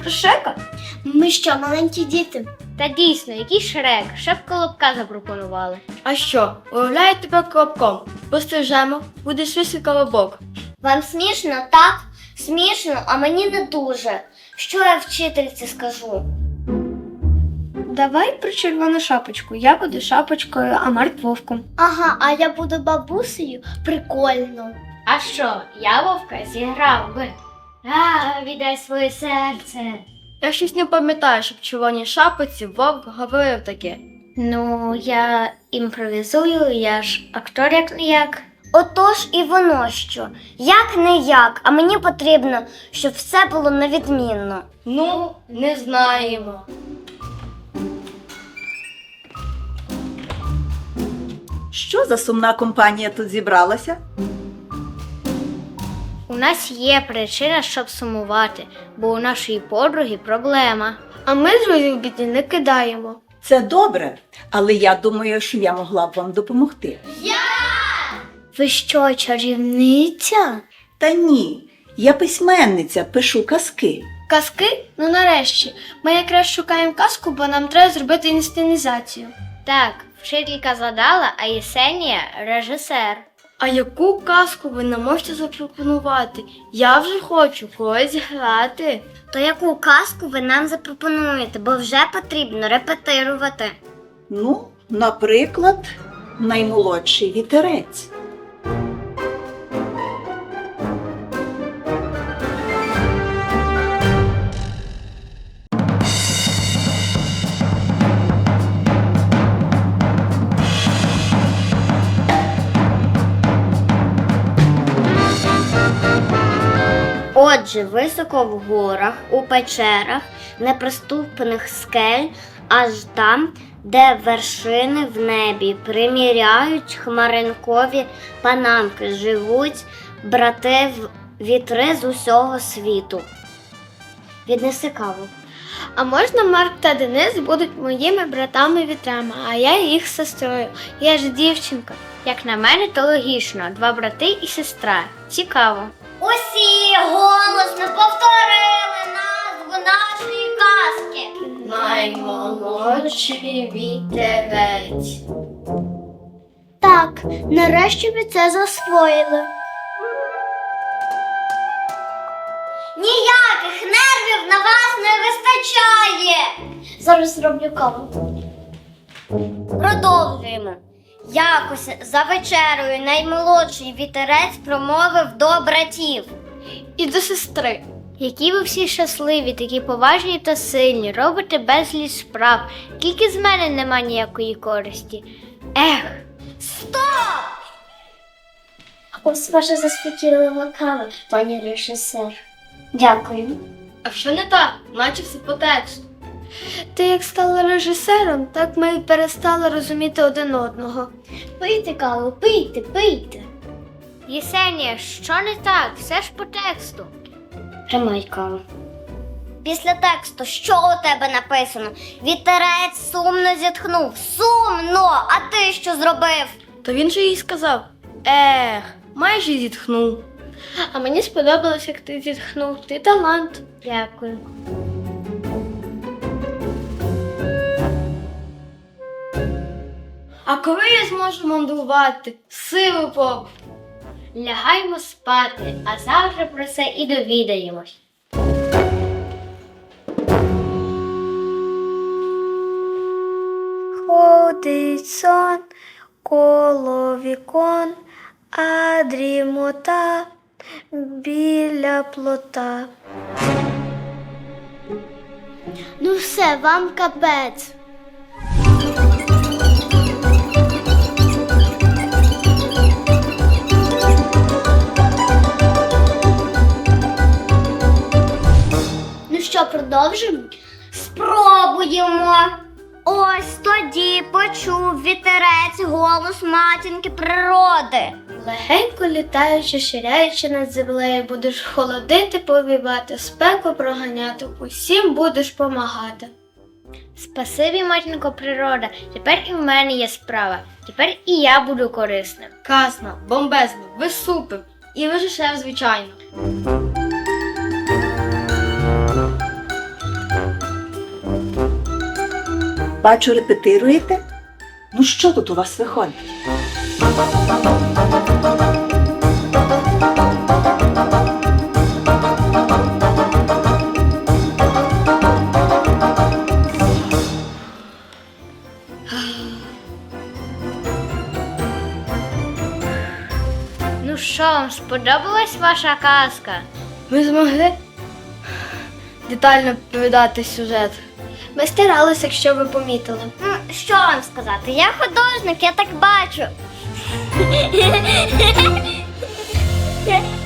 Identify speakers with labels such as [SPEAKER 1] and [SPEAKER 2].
[SPEAKER 1] про Шрека? Ми що, маленькі діти?
[SPEAKER 2] Та дійсно, який Шрек, ще б Колобка запропонували.
[SPEAKER 3] А що, уявляю тебе Колобком? Пострижемо, буде свій колобок.
[SPEAKER 1] Вам смішно, так? Смішно, а мені не дуже. Що я вчительці скажу?
[SPEAKER 3] Давай про червону шапочку. Я буду шапочкою, а Марк вовком.
[SPEAKER 1] Ага, а я буду бабусею? Прикольно.
[SPEAKER 2] А що, я Вовка зіграв би. Віддай своє серце.
[SPEAKER 3] Я щось не пам'ятаю, щоб в червоній шапочці вовк говорив таке.
[SPEAKER 2] Ну, я імпровізую, я ж актор як не як.
[SPEAKER 1] Отож і воно що. Як не як, а мені потрібно, щоб все було на відмінно.
[SPEAKER 3] Ну, не знаємо.
[SPEAKER 4] Що за сумна компанія тут зібралася?
[SPEAKER 2] У нас є причина, щоб сумувати, бо у нашої подруги проблема.
[SPEAKER 3] А ми друзів в біді не кидаємо.
[SPEAKER 4] Це добре, але я думаю, що я могла б вам допомогти.
[SPEAKER 1] Ви що, чарівниця?
[SPEAKER 4] Та ні, я письменниця, пишу казки.
[SPEAKER 3] Казки? Ну нарешті. Ми якраз шукаємо казку, бо нам треба зробити інсценізацію.
[SPEAKER 2] Так, вчителька задала, а Єсенія – режисер.
[SPEAKER 3] А яку казку ви нам можете запропонувати? Я вже хочу когось грати.
[SPEAKER 1] То яку казку ви нам запропонуєте, бо вже потрібно репетирувати.
[SPEAKER 4] Ну, наприклад, наймолодший вітерець.
[SPEAKER 1] Отже, високо в горах, у печерах, неприступних скель, аж там, де вершини в небі приміряють хмаринкові панамки, живуть брати вітри з усього світу. Віднеси каву.
[SPEAKER 3] А можна Марк та Денис будуть моїми братами-вітрами, а я їх сестрою. Я ж дівчинка.
[SPEAKER 2] Як на мене, то логічно. 2 брати і сестра. Цікаво.
[SPEAKER 1] Усі голосно повторили назву нашої казки.
[SPEAKER 3] Наймолодший вітерець.
[SPEAKER 1] Так, нарешті ви це засвоїли. Ніяких нервів на вас не вистачає. Зараз зроблю каву. Продовжуємо. Якось за вечерою наймолодший вітерець промовив до братів.
[SPEAKER 3] І до сестри.
[SPEAKER 2] Які ви всі щасливі, такі поважні та сильні, робите безліч справ. Тільки з мене нема ніякої користі. Ех!
[SPEAKER 1] Стоп! Ось ваша заспокійлива кава, пані режисер. Дякую.
[SPEAKER 3] А що не так? Наче все по тексту. Ти як стала режисером, так ми й перестали розуміти один одного.
[SPEAKER 1] Пийте каву, пийте, пийте.
[SPEAKER 2] Єсенія, що не так? Все ж по тексту.
[SPEAKER 1] Тримай каву. Після тексту, що у тебе написано? Вітерець сумно зітхнув. Сумно! А ти що зробив?
[SPEAKER 3] То він же їй сказав: майже зітхнув. А мені сподобалось, як ти зітхнув. Ти талант.
[SPEAKER 2] Дякую.
[SPEAKER 3] А коли я зможу мандрувати? Силу Богу.
[SPEAKER 2] Лягаймо спати, а завтра про це і довідаємось.
[SPEAKER 3] Ходить сон коло вікон, а дрімота біля плота.
[SPEAKER 1] Ну все, вам капець. Ну що, продовжимо? Спробуємо. Ось тоді почув вітерець голос матінки природи.
[SPEAKER 3] Легенько літаючи, ширяючи над землею, будеш холодити, повівати, спеку проганяти, усім будеш помагати.
[SPEAKER 2] Спасибі, матінко природа, тепер і в мене є справа. Тепер і я буду корисним.
[SPEAKER 3] Казна, бомбезна, ви супер. І режисер, звичайно.
[SPEAKER 4] Бачу, репетируєте? Ну що тут у вас виходить?
[SPEAKER 2] Ну що, вам сподобалась ваша казка?
[SPEAKER 3] Ми змогли детально передати сюжет. Ми старалися, якщо ви помітили.
[SPEAKER 1] Що вам сказати? Я художник, я так бачу.